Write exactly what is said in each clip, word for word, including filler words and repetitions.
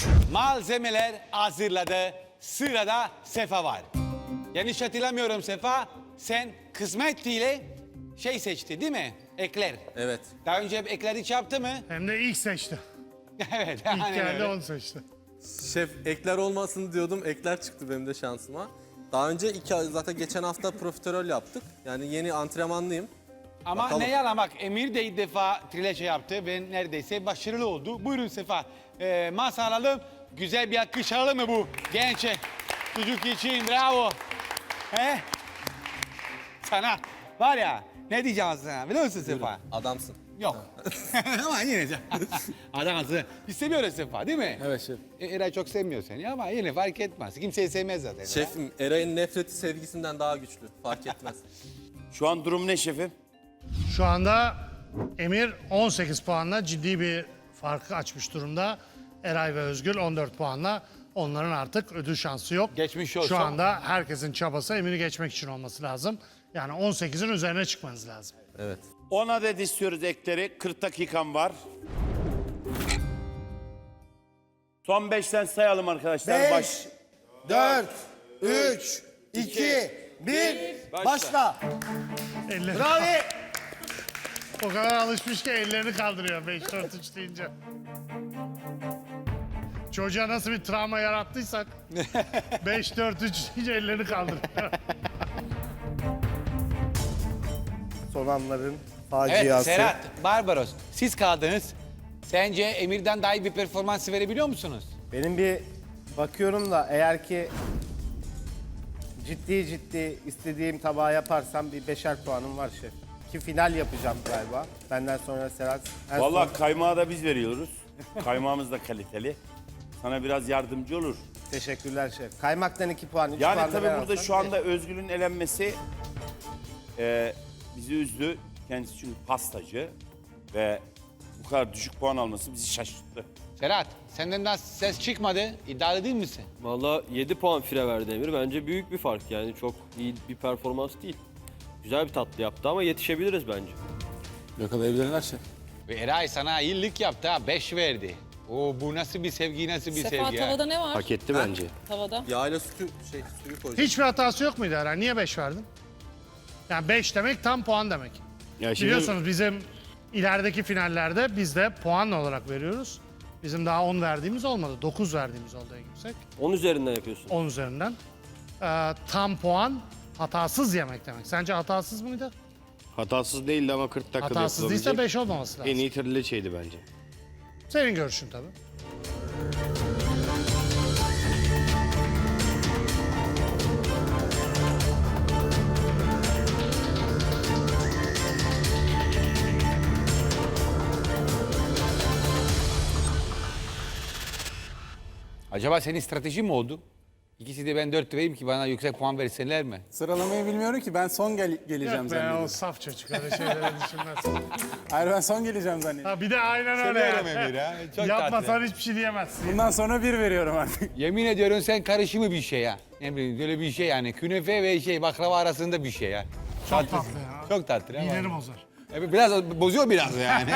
Malzemeler hazırladı. Sırada Sefa var. Yanlış hatırlamıyorum Sefa. Sen kısmet ile şey seçti değil mi? Ekler. Evet. Daha önce hep ekler hiç yaptı mı? Hem de ilk seçti. Evet. İlk aynen geldi öyle. onu seçti. Şef ekler olmasın diyordum. Ekler çıktı benim de şansıma. Daha önce iki zaten geçen hafta profiterol yaptık. Yani yeni antrenmanlıyım. Ama Bakalım. ne yalan bak Emir de ilk defa trileçe yaptı ve neredeyse başarılı oldu. Buyurun Sefa. Ee, masa alalım. Güzel bir alkış alalım mı bu genç çocuk için? Bravo. He? Sana var ya ne diyeceğim sana biliyor musun Sefa? Adamsın. Yok. Ama yine de. Adamsın. Biz seviyoruz Sefa değil mi? Evet şef. E, Eray çok sevmiyor seni ama yine fark etmez. Kimseyi sevmez zaten. Şefim Eray'ın nefreti sevgisinden daha güçlü. Fark etmez. Şu an durum ne şefim? Şu anda Emir on sekiz puanla ciddi bir farkı açmış durumda. Eray ve Özgül on dört puanla. Onların artık ödül şansı yok. Geçmiş olsun. Şu anda herkesin çabası Emir'i geçmek için olması lazım. Yani on sekizin üzerine çıkmanız lazım. Evet. on adet istiyoruz ekleri. kırk dakikam var. Son beşten sayalım arkadaşlar. Baş... beş, dört, üç, iki, bir, başla. Elleri Bravo. o kadar alışmış ki ellerini kaldırıyor beş dört üç deyince. Çocuğa nasıl bir travma yarattıysak beş dört üç deyince ellerini kaldırıyor. Son anların Evet faciası. Serhat, Barbaros siz kaldınız. Sence Emir'den daha iyi bir performans verebiliyor musunuz? Benim bir bakıyorum da eğer ki ciddi ciddi istediğim tabağı yaparsam bir beşer puanım var şef. Ki final yapacağım galiba. Benden sonra Serhat. en Vallahi son- kaymağı da biz veriyoruz. Kaymağımız da kaliteli. Sana biraz yardımcı olur. Teşekkürler şef. Kaymaktan iki puan, üç Yani puan da tabii ben burada alsam şu anda Özgül'ün elenmesi e, bizi üzdü. Kendisi çünkü pastacı ve bu kadar düşük puan alması bizi şaşırttı. Serhat, senden daha ses çıkmadı. İddialı değil misin? Valla yedi puan fire verdi Emir. Bence büyük bir fark yani çok iyi bir performans değil. Güzel bir tatlı yaptı ama yetişebiliriz bence. Yakalayabilirler şef. Ve Eray sana iyilik yaptı ha, beş verdi. Oo, bu nasıl bir sevgi, nasıl bir Sefa sevgi ha? tavada ne var? Hak etti bence. Tavada. Yağıyla sütü, şey, suyu koyacağım. Hiçbir hatası yok muydu Eray? Niye beş verdin? Yani beş demek tam puan demek. Ya Biliyorsunuz bizim ilerideki finallerde biz de puan olarak veriyoruz. Bizim daha on verdiğimiz olmadı. dokuz verdiğimiz oldu en yüksek. on üzerinden yapıyorsun. on üzerinden. Ee, tam puan hatasız yemek demek. Sence hatasız mıydı? Hatasız değildi ama kırk dakikada Hatasız değilse yapılabilecek beş olmaması lazım. en iyi trileçeydi bence. Senin görüşün tabii. Acaba senin stratejin mi oldu? İkisi de ben dört vereyim ki bana yüksek puan versinler mi? Sıralamayı bilmiyorum ki ben son gel geleceğim Yok be o zannediyorum. saf çocuk öyle şeyleri düşünmez. Hayır ben son geleceğim zannediyorum. Ha bir de aynen öyle Seviyorum yani. Emir ha, çok Yapmasan tatlı. hiçbir şey diyemezsin. Bundan sonra bir veriyorum artık. Yemin ediyorum sen karışımı bir şey ya. Ne bileyim böyle bir şey yani. Künefe ve şey baklava arasında bir şey ya. Çok Tatlı. tatlı ya. Çok tatlı ama. Mideni bozar. Evet, biraz bozuyor biraz yani.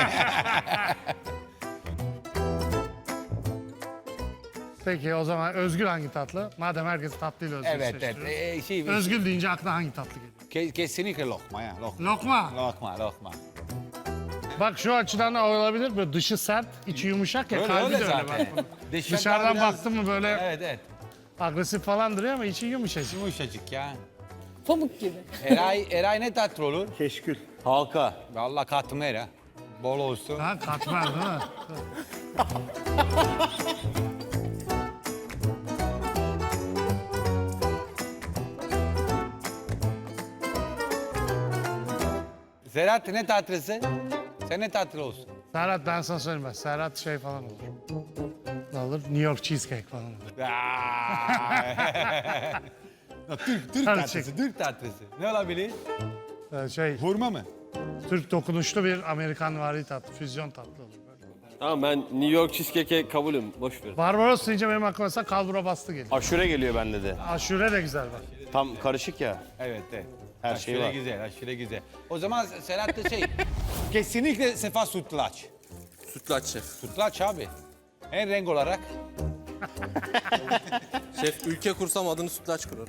Peki o zaman Özgül hangi tatlı? Madem herkes tatlıyla Özgül evet evet. seçtiriyor. Ee, şey, Özgül deyince aklına hangi tatlı geliyor? Ke- kesinlikle lokma ya. Lokma. Lokma. Lokma, lokma. Bak şu açıdan da olabilir. Böyle dışı sert, içi yumuşak ya. Öyle, kalbi öyle de öyle zaten. bak. Dışarıdan Dışarıdan biraz- baktın mı böyle Evet evet. agresif falan duruyor ama içi yumuşacık. Yumuşacık ya. Pamuk gibi. Eray, Eray ne tatlı olur? Keşkül. Halka. Vallahi katmer ha. Bol olsun. Ha katmer değil mi? Serhat ne tatlısı? Sen ne tatlı olsun? Serhat ben sana söyleyeyim bak. Serhat şey falan olur. Ne olur? New York cheesecake falan olur. Ya, Türk, Türk Hadi tatlısı, çek. Türk tatlısı. Ne olabilir? Ee, şey, Hurma mı? Türk dokunuşlu bir Amerikan vari tatlı, füzyon tatlı olur. Böyle. Tamam ben New York cheesecake'e kabulüm. Boş ver. Barbaros deyince benim aklıma mesela kalbura bastı geliyor. Aşure geliyor bende de. Aşure de güzel bak. Tam karışık ya. Evet, evet. Her aşure şey var. güzel, aşure güzel. O zaman Serhat da şey, kesinlikle Sefa sütlaç. Sütlaç şef. Sütlaç abi. En renk olarak Şef ülke kursam adını sütlaç kurarım.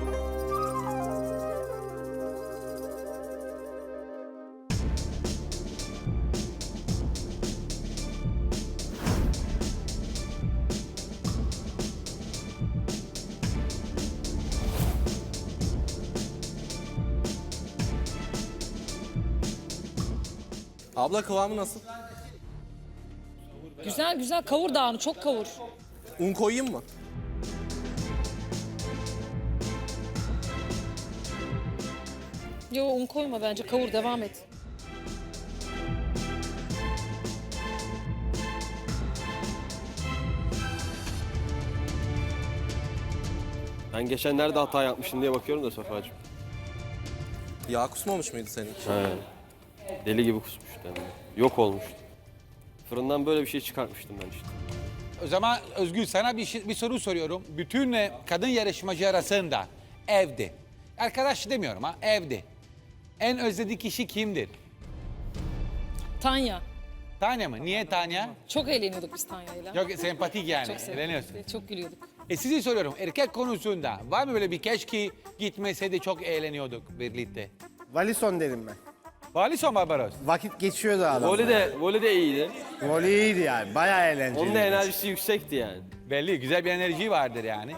Abla kıvamı nasıl? Güzel güzel kavur dağını çok kavur. Un koyayım mı? Yo un koyma bence kavur devam et. Ben geçen nerede hata yapmıştım diye bakıyorum da Safa'cığım. Yağ kusmamış mıydı senin için? He. Deli gibi kusmuştu hem de. Yok olmuştu. Fırından böyle bir şey çıkartmıştım ben işte. O zaman Özgür sana bir, şey- bir soru soruyorum. Bütün e, kadın yarışmacı arasında evde, arkadaş demiyorum ha, evde en özlediği kişi kimdir? Tanya. Tanya mı? Niye Tanya? Çok eğleniyorduk biz Tanya'yla. Çok sempatik yani. Çok sevdik. Eğleniyorsun. Çok gülüyorduk. E sizi soruyorum, erkek konusunda var mı böyle bir keşke gitmeseydi çok eğleniyorduk birlikte? Valison derim ben. Valison Barbaros. Vakit geçiyordu adam. Voli de, voli de iyiydi. Voley iyiydi yani. Bayağı eğlenceli. Onun da enerjisi yüksekti yani. Belli, güzel bir enerji vardır yani.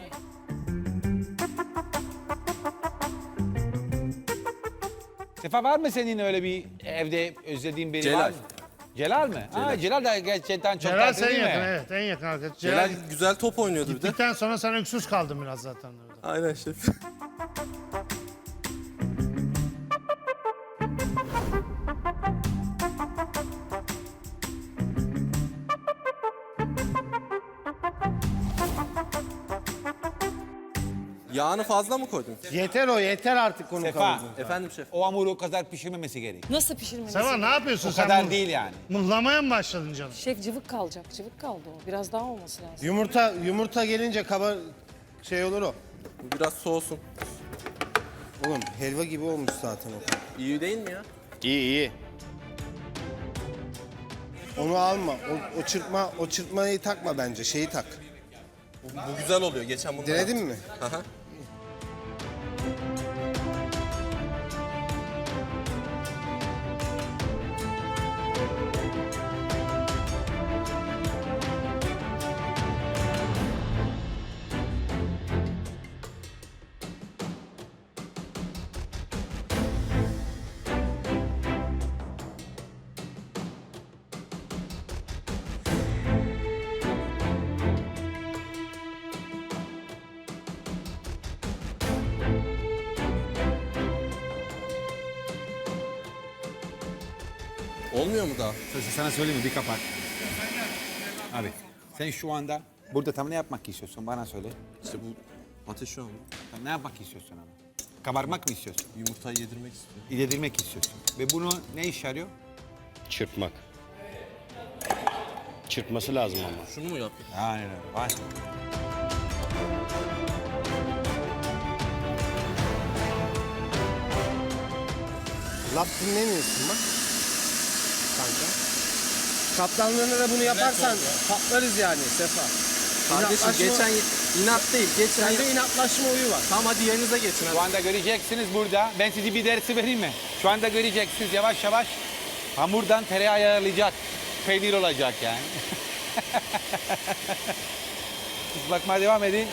Sefa var mı senin öyle bir evde özlediğin biri Celal. var mı? Celal mi? Ha, Celal da gerçekten çok Celal tatlı en değil mi? yakın, evet en yakın arkadaş. Celal Celal güzel top oynuyordu bir de. gittikten sonra sen öksüz kaldın biraz zaten orada. Aynen şef. Yağını fazla mı koydun? Yeter o yeter artık onu Sefa, kavurdun. Efendim şef. o hamuru o kadar pişirmemesi gerek. Nasıl pişirmemiz? Seva ne yapıyorsun O sen? kadar mıh- değil yani. Mıhlamaya mı başladın canım? Şef cıvık kalacak. Cıvık kaldı o. Biraz daha olması lazım. Yumurta yumurta gelince kaba şey olur o. Bu biraz soğusun. Oğlum helva gibi olmuş zaten o. İyi değil mi ya? İyi iyi. Onu alma. O, o çırpma o çırpmayı takma bence. Şeyi tak. Bu, bu güzel oluyor. Geçen bunu Denedin mi? Aha. Olmuyor mu daha? Sana söyleyeyim mi? Bir kapat. Abi sen şu anda burada tam ne yapmak istiyorsun? Bana söyle. İşte bu ateş şu an. Tam ne yapmak istiyorsun ama? Kabarmak mı istiyorsun? Yumurtayı yedirmek istiyorum. Yedirmek istiyorsun. Ve bunu ne iş yarıyor? Çırpmak. Çırpması lazım ama. Şunu mu yapayım? Aynen öyle. Var. Laf dinlemiyorsun bak. Kanka. Kaptanlığında da bunu yaparsan patlarız yani Sefa. Kardeşim İnatlaşma- geçen inat değil. Geçen Sende inatlaşma huyu var. Tamam hadi yerinize geçin hadi. Şu anda göreceksiniz burada. Ben size bir dersi vereyim mi? Şu anda göreceksiniz yavaş yavaş. Hamurdan tereyağı ayarlayacak. Peynir olacak yani. Siz bakmaya devam edin.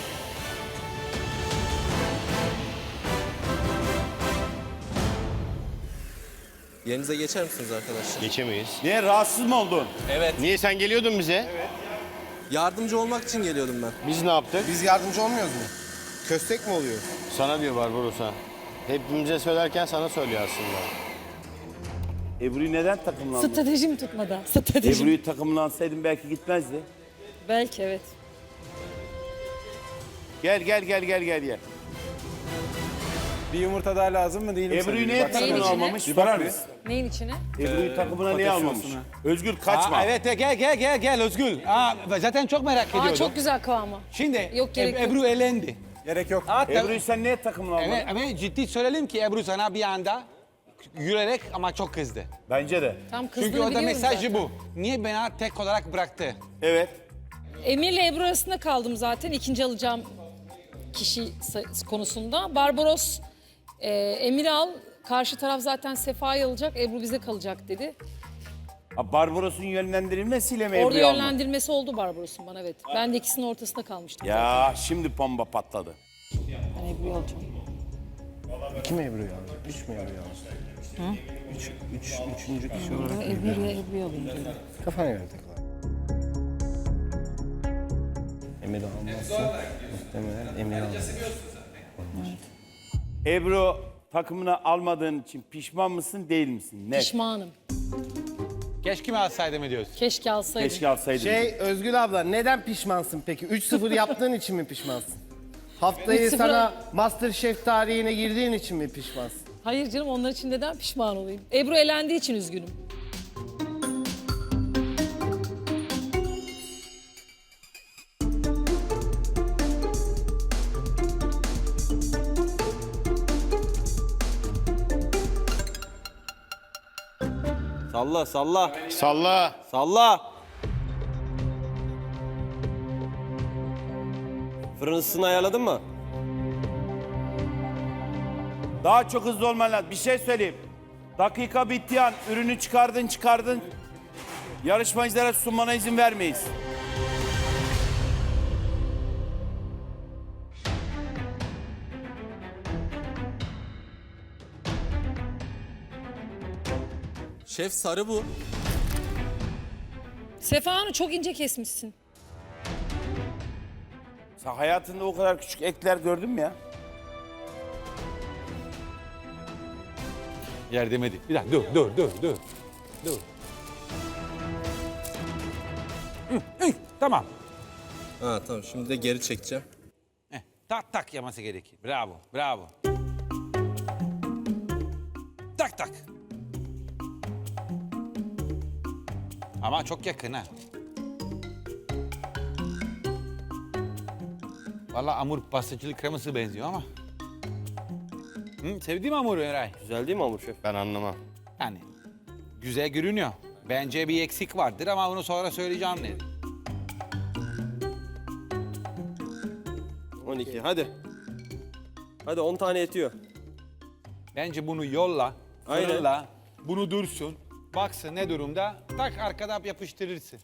Yerinize geçer misiniz arkadaşlar? Geçemeyiz. Niye rahatsız mı oldun? Niye sen geliyordun bize? Yardımcı olmak için geliyordum ben. Biz ne yaptık? Biz yardımcı olmuyoruz mu? Köstek mi oluyor? Sana diyor Barbaros'a. Hepimize söylerken sana söylüyor aslında. Ebru'yu neden takımlandın? Stratejim tutmadı. Stratejim. Ebru'yu takımlansaydın belki gitmezdi. Belki evet. Gel gel gel gel gel gel. Bir yumurta daha lazım mı değil mi? Ebru'yu sana? niye Baksana. Neyin takımına içine? almamış? Bir Bakar bakar mısın? Neyin içine? Ebru'yu takımına niye patates almamış? sosuna. Özgür kaçma. Aa, evet gel gel gel gel Özgül. Aa, zaten çok merak Aa ediyordum. çok güzel kıvamı. Şimdi Yok, gerek Eb- yok. Ebru elendi. Gerek yok. Aa, tabii- Ebru'yu sen niye takımına almadın? Evet ama ciddi söyleyelim ki Ebru sana bir anda yürüyerek ama çok kızdı. Bence de. Tam kızdığını Çünkü orada biliyorum mesajı zaten. bu. Niye beni tek olarak bıraktı? Evet. Emir'le Ebru arasında kaldım zaten ikinci alacağım kişi say- konusunda. Barbaros, e, Emir'i al. Karşı taraf zaten Sefa'yı alacak, Ebru bize kalacak dedi. Ha, Barbaros'un yönlendirilmesiyle mi Orada Ebru'yu almak? yönlendirmesi oldu Barbaros'un bana, evet. Ben de ikisinin ortasında kalmıştım zaten. Ya şimdi bomba patladı. Ben Ebru'yu alacağım. İki mi Ebru'yu alacak? Üç mü Ebru'yu alacak? Hı? Üç, üç, üçüncü kişi olarak. Ben Ebru'yu Ebru'yu alayım dedim. Kafana göre takıl. Emir almazsa muhtemelen Emir almaz. Ebru takımını almadığın için pişman mısın değil misin? Net. Pişmanım. Keşke mi alsaydım mı diyorsun? Keşke alsaydım. Keşke alsaydın. Şey Özgül abla neden pişmansın peki? üç sıfır yaptığın için mi pişmansın? Haftayı üç sıfır sana MasterChef tarihine girdiğin için mi pişmansın? Hayır canım, onlar için neden pişman olayım? Ebru elendiği için üzgünüm. Salla salla. Salla. Salla. Fırın ısısını ayarladın mı? Daha çok hızlı olman lazım. Bir şey söyleyeyim. Dakika bittiği an ürünü çıkardın çıkardın. Yarışmacılara sunmana izin vermeyiz. Şef sarı bu. Sefa Hanım çok ince kesmişsin. Sen hayatında o kadar küçük ekler gördün mü ya? Yardım edin. Bir dakika dur dur dur dur. Dur. Hı, hı, tamam. Ha tamam şimdi de geri çekeceğim. Heh, tak tak yaması gerekir. Bravo, bravo. Tak tak. Ama çok yakın ha. Vallahi hamur pastacılık kreması benziyor ama. Hı, sevdiğim hamuru Eray. Güzel değil mi hamur şef? Ben anlamam. Yani güzel görünüyor. Bence bir eksik vardır ama onu sonra söyleyeceğim dedi. on iki hadi. Hadi on tane yetiyor. Bence bunu yolla, Aynen. fırınla, bunu dursun. Baksın ne durumda, tak arkadan yapıştırırsın.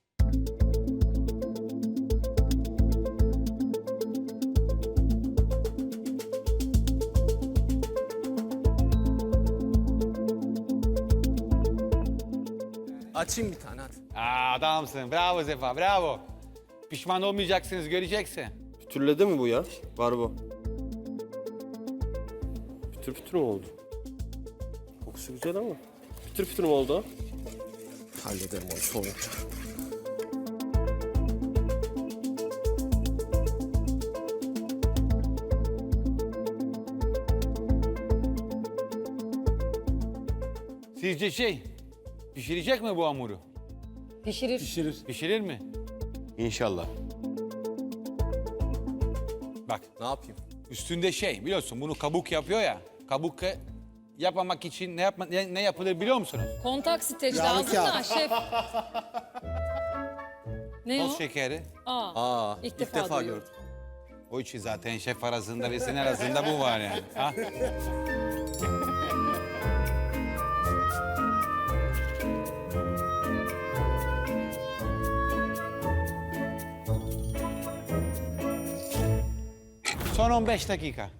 Açayım bir tane hadi. Aa, adamsın, bravo Sefa, bravo. Pişman olmayacaksınız, göreceksin. Pütürledi mi bu ya? Var bu. Pütür pütür mü oldu? Kokusu güzel ama. Pütür pütür mü oldu? Hallederim onu soğuyunca. Sizce şey, pişirecek mi bu hamuru? Pişirir. Pişirir. Pişirir mi? İnşallah. Bak, Ne yapayım? üstünde şey, biliyorsun bunu kabuk yapıyor ya. Kabuk e, yapmamak için ne, yapma, ne, ne yapılır biliyor musunuz? Kontak streç lazım da şef. Ne o? Toz şekeri. Aa, Aa İlk ilk, defa defa, duyuyorum. gördüm. O için zaten şef arasında ve senin arasında bu var yani. Ha? Son on beş dakika.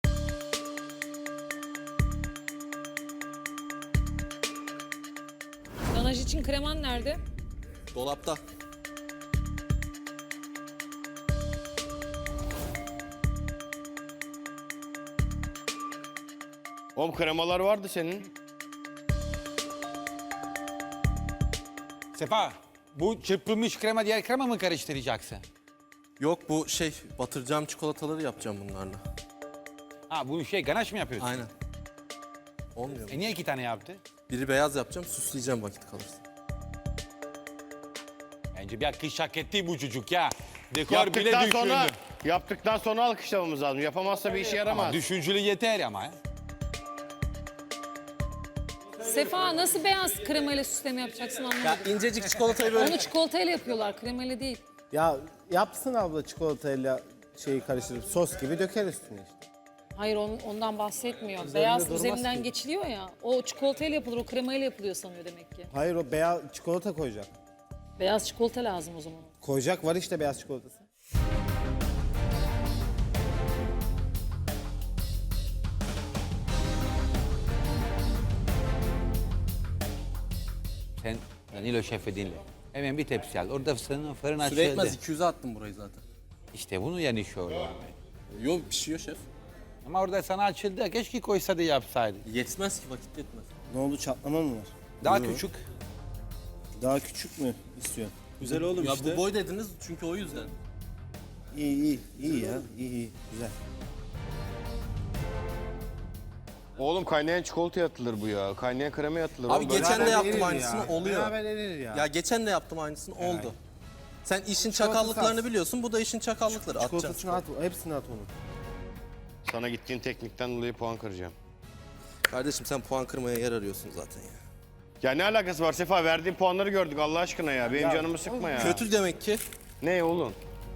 ganaj için kreman nerede? Dolapta. Oğlum kremalar vardı senin. Sefa, bu çırpılmış krema diğer krema mı karıştıracaksın? Yok bu şey batıracağım çikolataları yapacağım bunlarla. Ha, bu şey ganaş mı yapıyorsun? Aynen. Olmuyor mu? E niye iki tane yaptı? Biri beyaz yapacağım süsleyeceğim vakit kalırsa. Bence bir akış hak etti bu çocuk ya. Dekor bile Yaptıktan düşündü. sonra, yaptıktan sonra alkışlamamız lazım. Yapamazsa bir işe yaramaz. Ama düşüncülü yeter ama ya. Sefa nasıl beyaz kremayla süsleme yapacaksın anlamadım. Ya incecik çikolatayı böyle Onu çikolatayla yapıyorlar, kremayla değil. Ya yapsın abla çikolatayla şeyi karıştırıp sos gibi döker üstüne işte. Hayır on- ondan bahsetmiyor. Beyaz durmaz üzerinden ki. geçiliyor ya. O çikolatayla yapılır, o kremayla yapılıyor sanıyor demek ki. Hayır o beyaz çikolata koyacak. Beyaz çikolata lazım o zaman. Koyacak var işte beyaz çikolatası. Sen Danilo Şef'i dinle. Hemen bir tepsi al. Orada fırın, fırın Süre etmez açıldı. iki yüze attım burayı zaten. İşte bunu yani şöyle. Yok pişiyor şef. Ama orada sana açıldı. Keşke koysa da yapsaydı. Yetmez ki vakit yetmez. Ne oldu çatlama mı var? Daha küçük. Daha küçük mü istiyorsun? Güzel oğlum Ya işte. bu boy dediniz çünkü o yüzden. İyi iyi iyi ya iyi iyi güzel. Oğlum kaynayan çikolataya atılır bu ya. Kaynayan kremaya atılır. Abi Oğlum böyle- geçen de Beraber yaptım erir aynısını ya. oluyor. Beraber erir ya. Ya geçen de yaptım aynısını oldu. Sen işin Çikolatası çakallıklarını az. biliyorsun. Bu da işin çakallıkları. Atacaksın. Çikolatasını at, hepsini at onun. Sana gittiğin teknikten dolayı puan kıracağım. Kardeşim sen puan kırmaya yer arıyorsun zaten ya. Ya ne alakası var Sefa? Verdiğin puanları gördük Allah aşkına ya. Benim canımı sıkma ya. Kötü demek ki. Ne oğlum?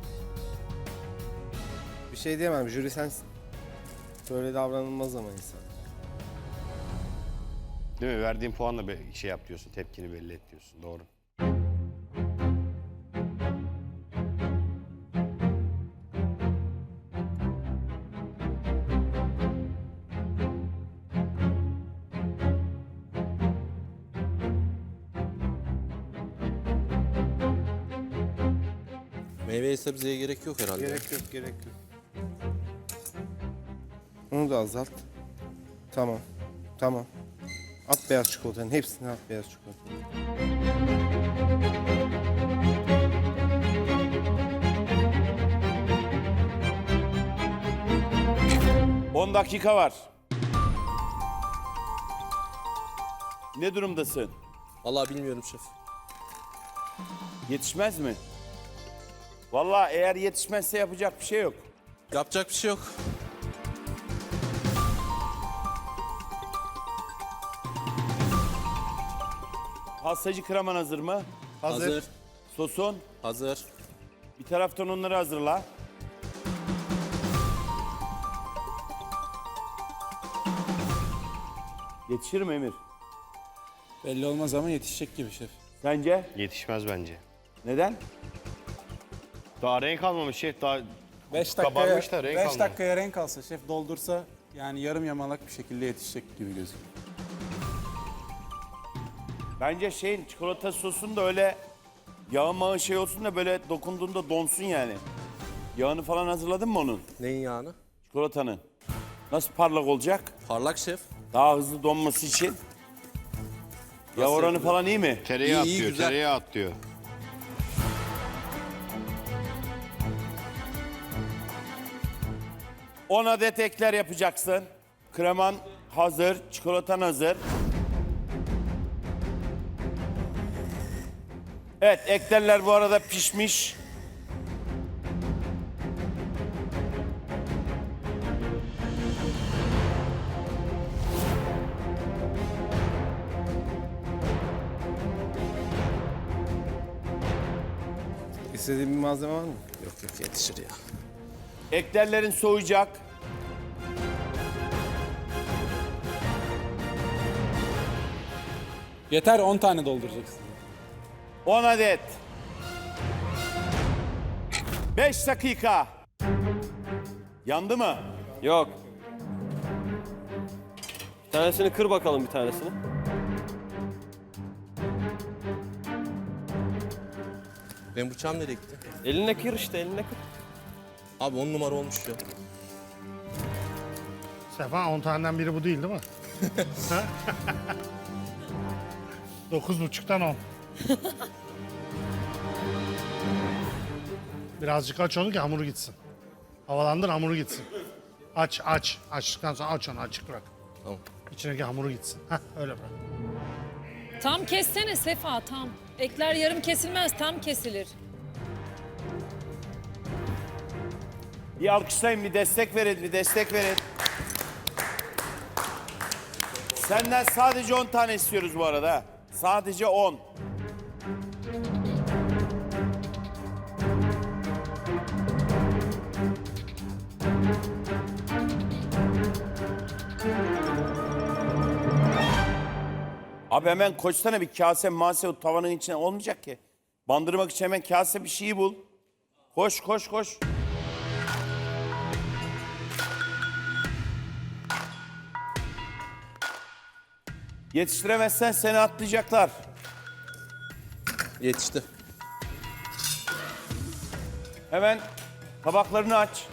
Bir şey diyemem jüri sensin. Böyle davranılmaz ama insan. Değil mi? Verdiğin puanla bir şey yap diyorsun. Tepkini belli et diyorsun. Doğru. Meyveye sebzeye gerek yok herhalde. Gerek yok gerek yok. Onu da azalt. Tamam. Tamam. At beyaz çikolatanın hepsini at beyaz çikolatanın. on dakika var. Ne durumdasın? Vallahi bilmiyorum şef. Yetişmez mi? Vallahi eğer yetişmezse yapacak bir şey yok. Yapacak bir şey yok. Pastacı kreman hazır mı? Hazır. Sosun. Hazır. Bir taraftan onları hazırla. Yetişir mi Emir? Belli olmaz ama yetişecek gibi şef. Sence? Yetişmez bence. Neden? Daha renk almamış şef. Daha beş Kabarmış da dakikaya, renk beş almamış. dakikaya renk alsa şef doldursa yani yarım yamalak bir şekilde yetişecek gibi gözüküyor. Bence şeyin çikolata sosun da öyle yağı mağı şey olsun da böyle dokunduğunda donsun yani. Yağını falan hazırladın mı onun? Neyin yağını? Çikolatanın. Nasıl parlak olacak? Parlak şef. Daha hızlı donması için. Yağ oranı yapılıyor? falan iyi mi? tereyağı İyi, iyi, atlıyor. güzel. Tereyağı atlıyor. on adet ekler yapacaksın. Kreman hazır, çikolatan hazır. Evet, eklerler bu arada pişmiş. İstediğin bir malzeme var mı? Yok yok yetişir ya. Eklerlerin soğuyacak. Yeter on tane dolduracaksın. on adet. beş dakika. Yandı mı? Yok. Bir tanesini kır bakalım bir tanesini. Benim bıçağım nereye gitti? Eline kır işte eline kır. Abi on numara olmuş ya. Sefa on taneden biri bu değil değil mi? Ha? Dokuz buçuktan on. Birazcık aç onu ki hamuru gitsin. Havalandır hamuru gitsin. Aç aç. Açtıktan sonra aç onu açık bırak. Tamam. İçindeki hamuru gitsin. Heh, öyle bırak. Tam kessene Sefa tam. Ekler yarım kesilmez tam kesilir. Bir alkışlayın, bir destek verin, bir destek verin. Senden sadece on tane istiyoruz bu arada. Sadece on. Abi hemen koşsana bir kase mase o tavanın içine olmayacak ki. Bandırmak için hemen kase bir şeyi bul. Koş koş koş. Yetiştiremezsen seni atlayacaklar. Yetişti. Hemen tabaklarını aç.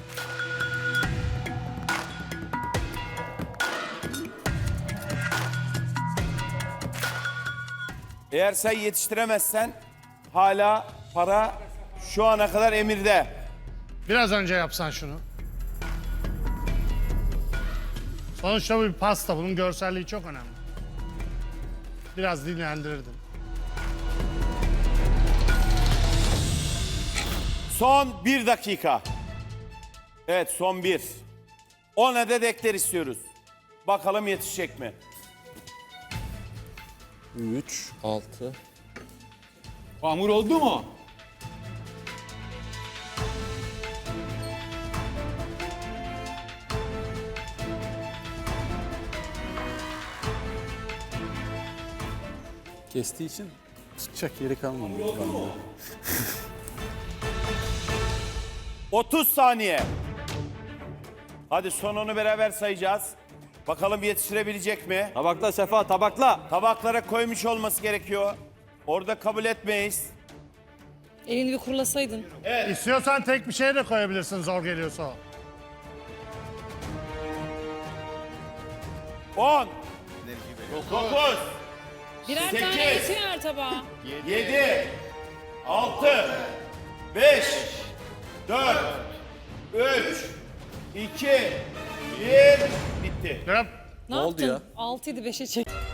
Eğer sen yetiştiremezsen hala para şu ana kadar Emir'de. Biraz önce yapsan şunu. Sonuçta bu bir pasta. Bunun görselliği çok önemli. Biraz dinlendirirdin. Son bir dakika. Evet son bir. on adet ekler istiyoruz. Bakalım yetişecek mi? üç, altı. Hamur oldu mu? Kestiği için çıkacak yeri kalmadı. bende. otuz saniye. Hadi son onu beraber sayacağız. Bakalım yetiştirebilecek mi? Tabakla Sefa, tabakla. Tabaklara koymuş olması gerekiyor. Orada kabul etmeyiz. Elini bir kurulasaydın. İstiyorsan tek bir şey de koyabilirsin zor geliyorsa o. on, dokuz, Birer Sekiz. tane eti ver tabağa. yedi, altı, beş, dört, üç, iki, bir. Bitti. Yap. Ne, oldu yaptın? ya? altıydı beşe çek.